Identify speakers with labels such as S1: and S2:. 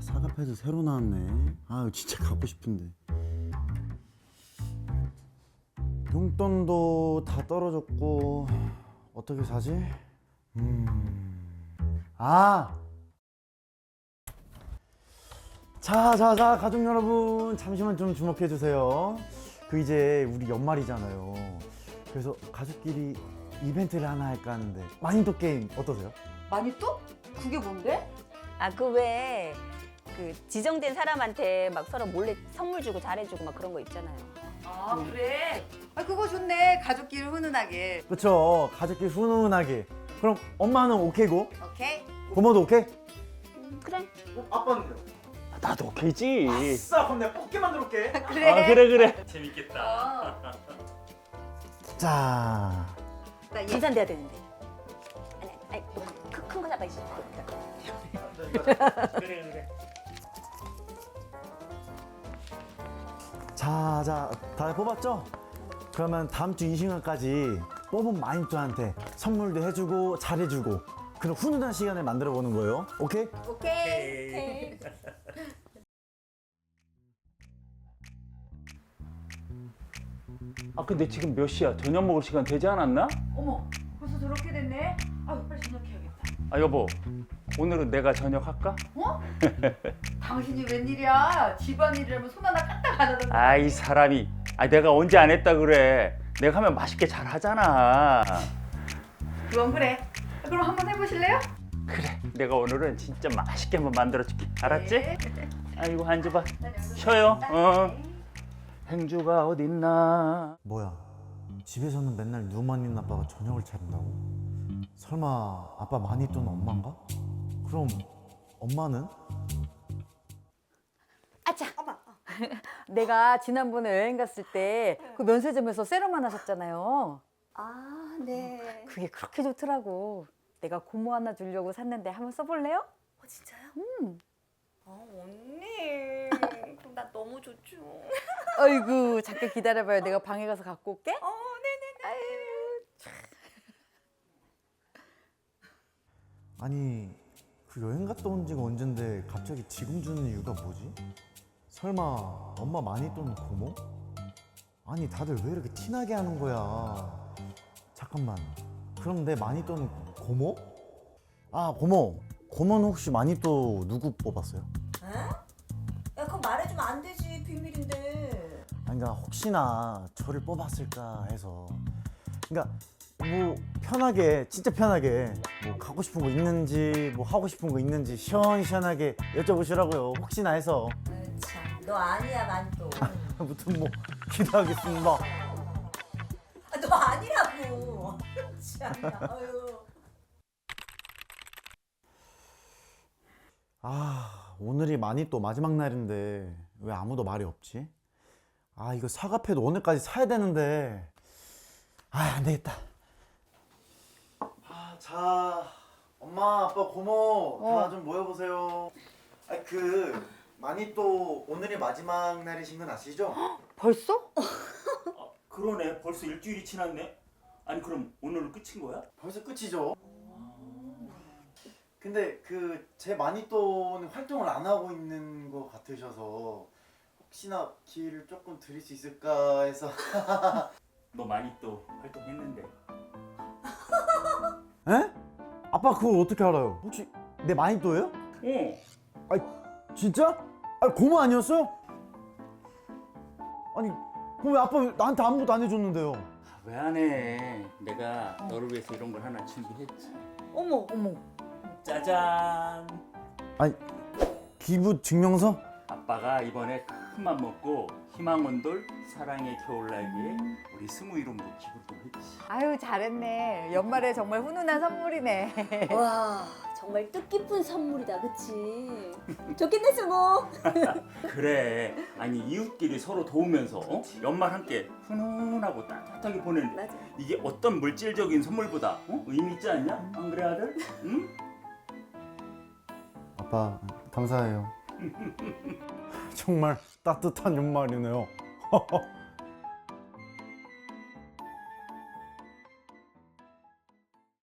S1: 사과패드 새로 나왔네. 아 진짜 갖고 싶은데. 용돈도 다 떨어졌고 어떻게 사지? 아! 자 가족 여러분 잠시만 좀 주목해 주세요. 그 이제 우리 연말이잖아요. 그래서 가족끼리 이벤트를 하나 할까 하는데 마인드 게임 어떠세요?
S2: 많이 또? 그게 뭔데?
S3: 아, 그 왜 그 지정된 사람한테 막 서로 몰래 선물 주고 잘해주고 막 그런 거 있잖아요.
S2: 아 그래? 아 그거 좋네. 가족끼리 훈훈하게.
S1: 그쵸, 가족끼리 훈훈하게. 그럼 엄마는 오케이고?
S2: 오케이?
S1: 고모도 오케이?
S3: 그래.
S1: 아빠는요?
S4: 나도 오케이지.
S1: 아싸, 그럼 내가 뽑게 만들어 올게.
S2: 그래.
S4: 아, 그래. 재밌겠다.
S1: 자,
S2: 나 이-
S3: 분산돼야 되는데. 아니, 큰거 잡아 있어.
S4: 그래.
S1: 자, 다 뽑았죠? 그러면 다음 주 이 시간까지 뽑은 마인드한테 선물도 해주고 잘해주고 그런 훈훈한 시간을 만들어 보는 거예요. 오케이?
S3: 오케이.
S4: 아, 근데 지금 몇 시야? 저녁 먹을 시간 되지 않았나?
S2: 어머 벌써 저렇게 됐네. 아 빨리 저녁해야겠다.
S4: 아, 여보. 오늘은 내가 저녁 할까?
S2: 어? 당신이 웬일이야? 집안일이라면 손 하나 까딱 안 하던데.
S4: 아, 이 사람이. 아, 내가 언제 안 했다 그래. 내가 하면 맛있게 잘 하잖아.
S2: 그건 그래. 그럼 한번 해보실래요?
S4: 그래. 내가 오늘은 진짜 맛있게 한번 만들어 줄게. 알았지?
S2: 네.
S4: 아이고, 앉아봐.
S2: 난 여기서
S4: 쉬어요.
S2: 있다.
S4: 행주가 어딨나?
S1: 뭐야, 집에서는 맨날 누만 있는 아빠가 저녁을 차린다고? 설마 아빠 많이 돈 엄마인가? 그럼 엄마는?
S3: 아차.
S2: 내가 지난번에 여행 갔을 때 그 면세점에서 세럼만 하셨잖아요.
S3: 아, 네.
S2: 그게 그렇게 좋더라고. 내가 고모 하나 주려고 샀는데 한번 써볼래요?
S3: 진짜요? 언니. 그럼 나 너무 좋죠.
S2: 아이고 잠깐 기다려봐요. 내가 방에 가서 갖고 올게.
S3: 네네네.
S1: 아니, 그 여행 갔다 온 지가 언젠데 갑자기 지금 주는 이유가 뭐지? 설마 엄마 많이 돈 고모? 아니, 다들 왜 이렇게 티나게 하는 거야? 잠깐만, 그럼 내 많이 돈 고모? 아, 고모는 혹시 많이 또 누구 뽑았어요?
S3: 야, 그거 말해주면 안 되지. 비밀인데.
S1: 아니, 그러니까 혹시나 저를 뽑았을까 해서. 그러니까 뭐 편하게, 진짜 편하게 뭐 갖고 싶은 거 있는지 뭐 하고 싶은 거 있는지 시원시원하게 여쭤보시라고요. 혹시나 해서.
S3: 참, 너 아니야, 만또.
S1: 아무튼 뭐 기도하겠습니다.
S3: 너 아니라고. 참나. 아유.
S1: 아, 오늘이 많이 또 마지막 날인데 왜 아무도 말이 없지? 아, 이거 사과패도 오늘까지 사야 되는데. 아, 안 되겠다. 아, 자, 엄마, 아빠, 고모 다 좀 모여보세요. 아, 많이 또 오늘이 마지막 날이신 건 아시죠?
S2: 벌써?
S4: 그러네. 벌써 일주일이 지났네. 아니, 그럼 오늘은 끝인 거야?
S1: 벌써 끝이죠. 근데 제 마니또는 활동을 안 하고 있는 것 같으셔서 혹시나 기회를 조금 드릴 수 있을까 해서.
S4: 너 많이 또 활동했는데.
S1: 에? 아빠 그걸 어떻게 알아요? 혹시 내 마니또예요? 진짜? 아니, 고모 아니었어요? 아니, 그럼 왜 아빠 나한테 아무것도 안 해줬는데요?
S4: 왜 안 해? 내가 너를 위해서 이런 걸 하나 준비했지.
S3: 어머.
S4: 짜잔.
S1: 아니, 기부 증명서?
S4: 아빠가 이번에 큰 맘 먹고 희망원돌 사랑의 겨울날기에 우리 스무 이름으로 기부를 좀 했지.
S2: 아유 잘했네. 연말에 정말 훈훈한 선물이네.
S3: 와, 정말 뜻깊은 선물이다, 그치? 좋겠네, 수모.
S4: 그래. 아니, 이웃끼리 서로 도우면서 연말 함께 훈훈하고 따뜻하게 보내는
S3: 맞아.
S4: 이게 어떤 물질적인 선물보다 의미 있지 않냐? 안 그래, 아들? 응?
S1: 아빠 감사해요. 정말 따뜻한 연말이네요.